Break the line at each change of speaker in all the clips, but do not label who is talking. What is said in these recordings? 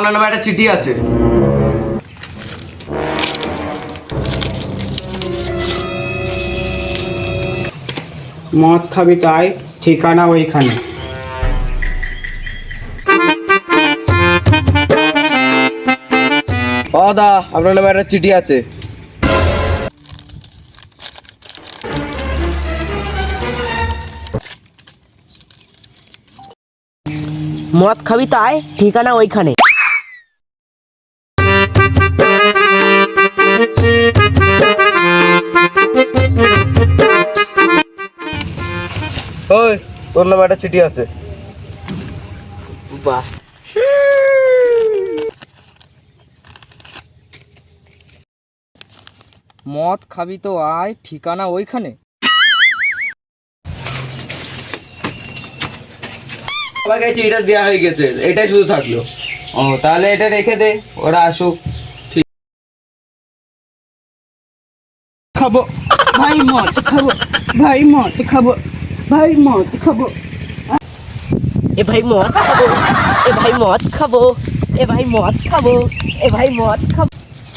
আপনার নামে একটা চিঠি আছে।
মদ খাবি তাই, ঠিকানা ওইখানে।
দা আপনার নামে একটা চিঠি আছে।
মদ খাবি তাই, ঠিকানা ওইখানে।
ওই তোর নামে একটা চিঠি আছে।
বাহ,
মদ খাবি তো আয়, ঠিকানা ওইখানে।
সবাইকে চিঠিটা দেওয়া হয়ে গেছে, এটাই শুধু থাকলো।
ও তাহলে এটা রেখে দে, ওরা আসুক।
খাবো ভাই, মদ খাবো ভাই, মদ খাবো ভাই, মদ খাবো।
এ ভাই মদ খাবো, এ ভাই মদ খাবো, এ ভাই মদ খাবো, এ ভাই মদ খাবো,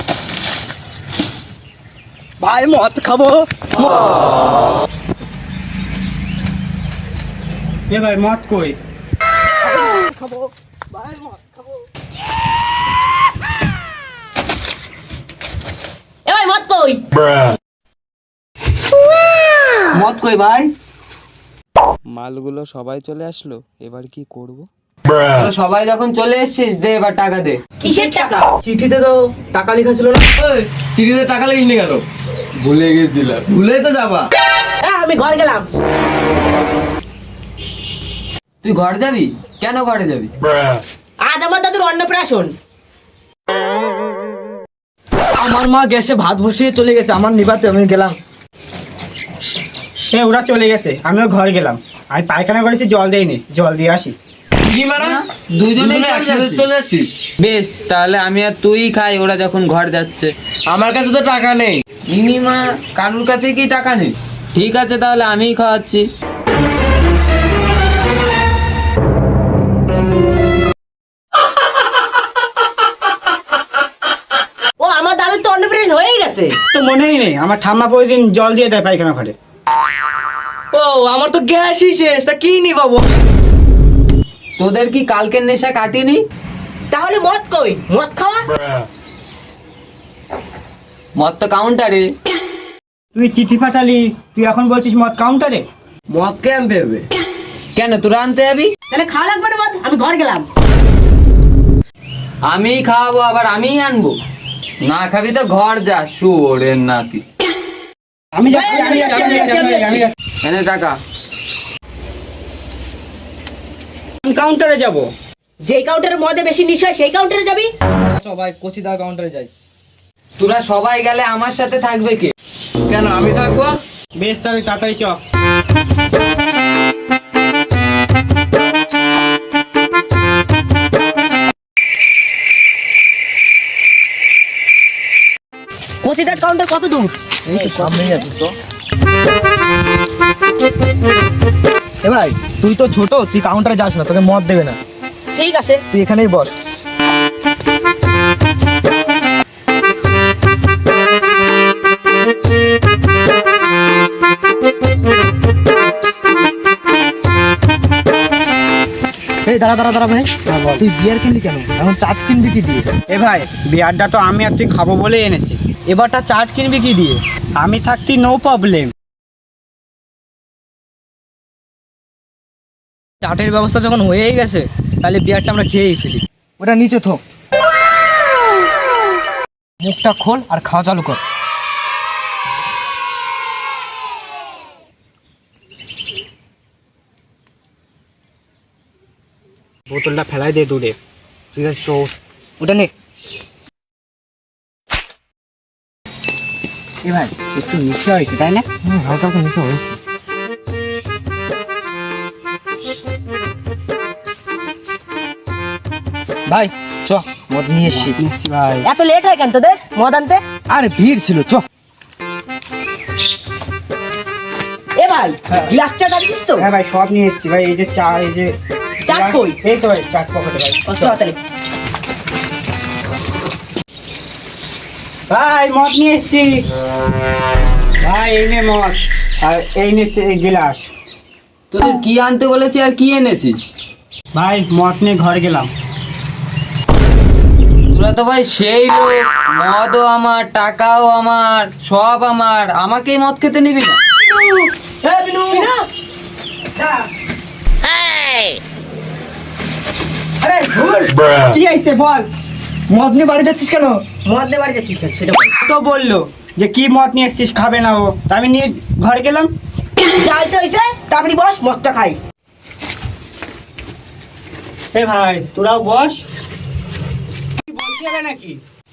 ভাই মদ খাবো। এ ভাই মদ কই?
খাবো, ভাই মদ খাবো। এ ভাই মদ কই?
মদ কই ভাই?
মালগুলো সবাই চলে আসলো, এবার কি করব? সবাই যখন চলে এসেছিস, দে এবার টাকা দে।
কিসের টাকা?
চিঠিতে তো টাকা লেখা ছিল না।
চিঠিতে টাকা লেগেনি কেন?
ভুলে গেছিলাম।
ভুলে তো যাবা।
আমি ঘর গেলাম।
তুই ঘর যাবি? কেন ঘরে যাবি?
আজ আমার দাদুর অন্নপ্রাশন।
আমার মা গ্যাসে ভাত বসিয়ে চলে গেছে, আমার নিবাতে আমি গেলাম। ওরা চলে গেছে, আমিও ঘর গেলাম। আমি পায়খানা করেছি, জল দেয়নি, জল দিয়ে আসি।
কি মানে?
দুজনে
একসাথে চলে যাচ্ছি।
বেশ, তাহলে আমি আর তুই খাই, ওরা যখন ঘর যাচ্ছে।
আমার কাছে তো টাকা নেই।
ইনিমা কারুর কাছে কি টাকা নেই? ঠিক আছে, তাহলে আমিই খাওয়াচ্ছি।
ও আমার দাদুর তো অন্নপ্রাশন হয়ে গেছে।
তো মনেই নেই, আমার ঠাম্মা প্রতিদিন জল দিয়ে দেয় পায়খানা ঘরে।
ও আমার তো গ্যাসই শেষ, তা কি নি বাবু?
তোদের কি কালকের নেশা কাটিনি?
তাহলে মদ কই? মদ খাওয়া?
মদ তো কাউন্টারে।
তুই চিঠি পাঠালি, তুই এখন বলছিস মদ কাউন্টারে?
মদ কে আনতে হবে?
কেন তোরা আনতে যাবি?
তাহলে খাওয়া লাগবে না মদ, আমি ঘর গেলাম।
আমিই খাওয়াবো, আবার আমিই আনবো? না খাবি তো ঘর যা, শুয়োরের নাতি।
আমি যাচ্ছি, আমি যাচ্ছি, আমি যাচ্ছি, আমি যাচ্ছি।
এনে টাকা।
আমি কাউন্টারে যাব।
যেই কাউন্টারে মদে বেশি নিশা, সেই কাউন্টারে যাবি?
সবাই কচিদার কাউন্টারে যাই।
তোরা সবাই গেলে আমার সাথে থাকবে কে?
কেন আমি থাকবো?
বেশ, তাহলে তাড়াতাড়ি চ।
কচিদার কাউন্টার কত দূর?
এ ভাই, তুই তো ছোট, তুই কাউন্টারে যাস না, তোকে মদ দেবে না।
ঠিক আছে।
তুই এখানেই বস। এই দাঁড়া দাঁড়া দাঁড়া ভাই, তুই বিয়ার কিনলি কেন? এখন চাট কিনবি কি দিয়ে? এ ভাই, বিয়ারটা তো আমি আর তুই খাবো বলেই এনেছি। এবারটা চাট কিনবি কি দিয়ে? আমি থাকতি নো প্রবলেম। চাটের ব্যবস্থা যখন হয়েই গেছে, তাহলে বিয়ারটা আমরা খেয়েই ফেলি। ওটা নিচে থো, মুখটা খোল আর খাওয়া চালু কর। বোতলটা ফেলাই দে দূরে। ঠিক আছে, চো ওটা নে। এ ভাই, একটু নিশা হয়েছে তাই না? হালকা হালকা নিশা হয়েছে। ভাই চ, মদ নিয়ে এসছি। ভাই
এত লেট হয় কেন তোদের মদ আনতে?
আরে ভিড় ছিল, চ।
এ ভাই, গ্লাস চাট আনছিস তো?
হ্যাঁ ভাই, সব নিয়ে এসছি ভাই। এই যে চা, এই যে
চাট কই?
এই তো ভাই চাট পকেটে ভাই।
চ তাহলে।
ভাই মদ নিয়ে এসছি। ভাই এই নে মদ, আর এই নে গিলাস।
তোদের কি আনতে বলেছি আর কি এনেছিস?
ভাই মদ নিয়ে ঘরে গেলাম।
তোরা তো ভাই সেই লোক, মদও আমার, টাকাও আমার, সব আমার, আমাকেই মদ খেতে নিবি না?
আরে ভুল কি আইছে বল, মদ নিয়ে বাড়ি যাচ্ছিস কেন?
মদ দিয়ে বাড়ি যাচ্ছিস কেন সেটা বল।
তো বললো যে কি মদ নিয়ে এসছিস, খাবে না ও, তা আমি নিয়ে ঘরে গেলাম।
যা হয়েছে তাড়াতাড়ি বস, মদটা খাই।
এ ভাই তোরাও বস, কি বলতে হবে নাকি?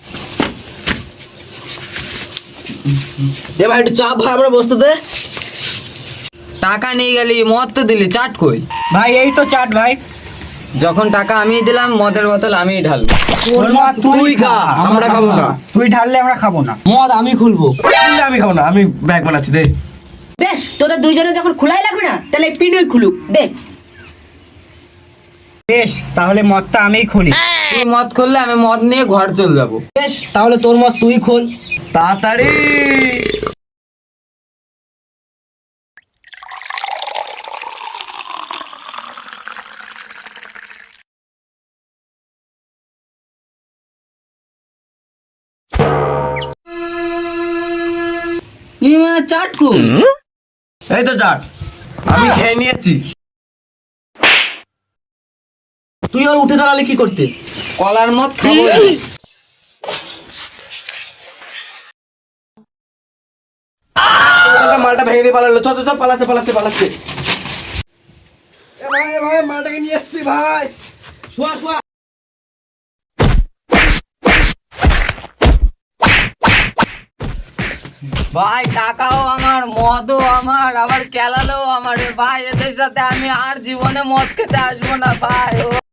দে ভাই একটু চাপ, ভাই আমরা বসতে দে।
টাকা নিয়ে গেলি, মদ তো দিলি, চাট কই?
ভাই এই তো চাট ভাই।
যখন টাকা আমিই দিলাম, মদের বোতল আমিই ঢালবো।
তোর মদ তুই খা,
আমরা খাবো না।
তুই ঢাললে আমরা খাবো না।
মদ আমি খুলবো। আমি খাবো না, আমি ব্যাগ বানাচ্ছি দে।
বেশ, তোদের দুইজনে যখন খোলাই লাগবে না, তাহলে পিনুই খুলুক দে।
বেশ তাহলে মদটা আমিই খুলি।
তুই মদ খুললে আমি মদ নিয়ে ঘর চলে যাবো।
বেশ তাহলে তোর মদ তুই খোল তাড়াতাড়ি।
চাট কই?
এই তো চাট আমি খেয়ে নিয়েছি। তুই আর উঠে দাঁড়ালে কি করতে?
কলার মদ খাবো না।
মালটা ভেঙে দিয়ে পালালো, চ চ চ, পালাচ্ছে পালাচ্ছে পালাচ্ছে। ভাই ভাই মালটাকে নিয়ে এসছি ভাই। শোয়া শোয়া।
ভাই টাকাও আমার, মদও আমার, আবার কেলালেও আমার। ভাই এদের সাথে আমি আর জীবনে মদ খেতে আসবো না ভাই।